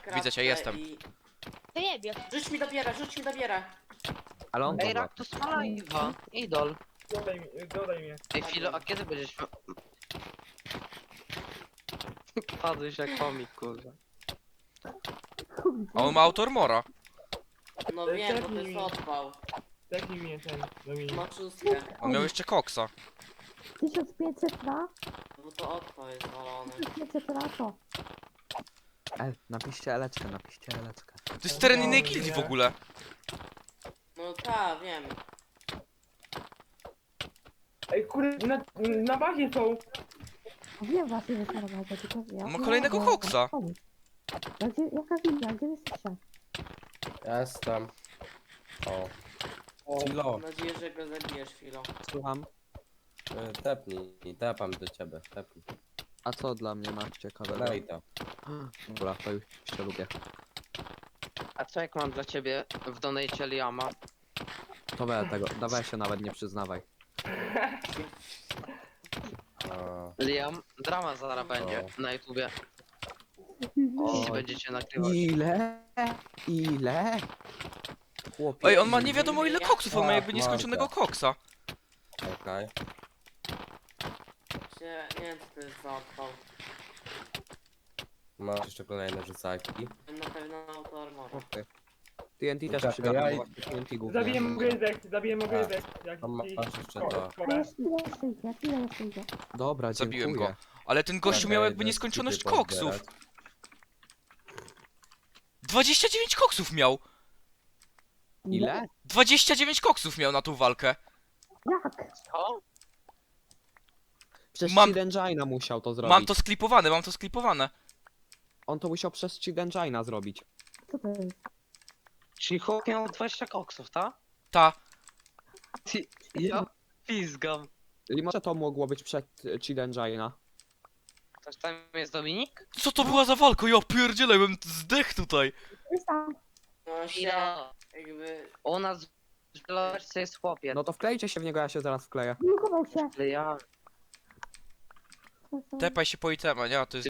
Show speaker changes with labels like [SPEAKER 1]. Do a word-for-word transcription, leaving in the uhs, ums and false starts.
[SPEAKER 1] kratkę
[SPEAKER 2] Widzę cię, jestem.
[SPEAKER 1] I...
[SPEAKER 3] To jebie.
[SPEAKER 1] Rzuć mi dobierę, rzuć mi dobierę.
[SPEAKER 4] Ale on
[SPEAKER 5] Ej,
[SPEAKER 4] dobra.
[SPEAKER 5] Raktus ma live'a. Idol.
[SPEAKER 6] Dodaj mi, dodaj mnie.
[SPEAKER 5] Ej, Filo, a kiedy będziesz miał... Padłeś jak komik, kurwa.
[SPEAKER 2] A on ma autormora.
[SPEAKER 1] No wiem, bo to jest odpał.
[SPEAKER 6] Taki mnie ten, Dominik.
[SPEAKER 1] Ma szóstkę.
[SPEAKER 2] On miał jeszcze koksa.
[SPEAKER 7] tysiąc pięćset na?
[SPEAKER 1] Bo to odpał jest walony.
[SPEAKER 7] tysiąc pięćset na to.
[SPEAKER 4] E, napiszcie eleczkę, napiszcie eleczkę.
[SPEAKER 2] To jest teren innej gildii w ogóle.
[SPEAKER 1] No ta, wiem.
[SPEAKER 6] Ej, kurde, na, na bazie są.
[SPEAKER 7] Wiem właśnie, że się robię, tylko ja...
[SPEAKER 2] On ma kolejnego koksa.
[SPEAKER 7] A gdzie, jaka gildia, gdzie jesteście?
[SPEAKER 8] Jestem. O. Filo,
[SPEAKER 1] Mam nadzieję, że go zabijesz, Filo.
[SPEAKER 4] Słucham.
[SPEAKER 8] y, tepnij, tepam do ciebie, tepnij.
[SPEAKER 4] A co dla mnie masz ciekawego?
[SPEAKER 8] Lej to.
[SPEAKER 4] Dobra, to już się lubię.
[SPEAKER 5] A co jak mam dla ciebie w donate Liama?
[SPEAKER 4] To we tego, dawaj się nawet nie przyznawaj.
[SPEAKER 8] O,
[SPEAKER 5] Liam, drama zaraz będzie na YouTubie. Jeśli będziecie nagrywać.
[SPEAKER 4] Ile? Ile? Chłopie.
[SPEAKER 2] Ej, on ma nie wiadomo ile koksów, on ma jakby nieskończonego koksa.
[SPEAKER 8] okej.
[SPEAKER 1] Nie, nie wiem, co to jest za odpał.
[SPEAKER 8] Masz jeszcze kolejne rzucajki.
[SPEAKER 1] Na pewno auto armora.
[SPEAKER 4] Chłopie. T N T też
[SPEAKER 8] Czekaj,
[SPEAKER 4] przygadam,
[SPEAKER 8] ja
[SPEAKER 4] bo
[SPEAKER 8] i-
[SPEAKER 4] właśnie T N T głównie.
[SPEAKER 6] Zabiję mu gryzek, zabiję mu gryzek. Jak
[SPEAKER 8] A
[SPEAKER 6] ci-
[SPEAKER 8] masz jeszcze
[SPEAKER 6] O,
[SPEAKER 8] to.
[SPEAKER 7] A
[SPEAKER 6] szkoda.
[SPEAKER 7] jeszcze ile jeszcze idzie, ile jeszcze idzie?
[SPEAKER 4] Dobra,
[SPEAKER 2] Zabiłem
[SPEAKER 4] dziękuję.
[SPEAKER 2] go. Ale ten gościu
[SPEAKER 8] Czekaj,
[SPEAKER 2] miał jakby
[SPEAKER 8] idę
[SPEAKER 2] nieskończoność
[SPEAKER 8] skipy
[SPEAKER 2] koksów.
[SPEAKER 8] pozbierać.
[SPEAKER 2] dwadzieścia dziewięć koksów miał.
[SPEAKER 4] Ile?
[SPEAKER 2] dwadzieścia dziewięć koksów miał na tą walkę.
[SPEAKER 7] Jak?
[SPEAKER 5] Co?
[SPEAKER 4] Przez
[SPEAKER 2] Mam-
[SPEAKER 4] Cheat Engine'a musiał to zrobić.
[SPEAKER 2] Mam to sklipowane, mam to sklipowane.
[SPEAKER 4] On to musiał przez Cheat Engine'a zrobić.
[SPEAKER 7] Co to jest?
[SPEAKER 5] Czyli chłop miał dwadzieścia koksów, tak?
[SPEAKER 2] Ta.
[SPEAKER 5] Ty, ja pizgam.
[SPEAKER 4] I może to mogło być przed e, Cheat Engine'a.
[SPEAKER 5] Ktoś tam jest Dominik?
[SPEAKER 2] Co to była za walka? Ja pierdzielę, bym zdech tutaj.
[SPEAKER 7] Jest tam.
[SPEAKER 1] No się,
[SPEAKER 5] Ja.
[SPEAKER 1] jakby...
[SPEAKER 5] U nas w Belarusce jest chłopiec.
[SPEAKER 4] No to wklejcie się w niego, ja się zaraz wkleję.
[SPEAKER 7] Blokował się.
[SPEAKER 5] Ale ja...
[SPEAKER 2] Tepaj się po itema, nie? A to jest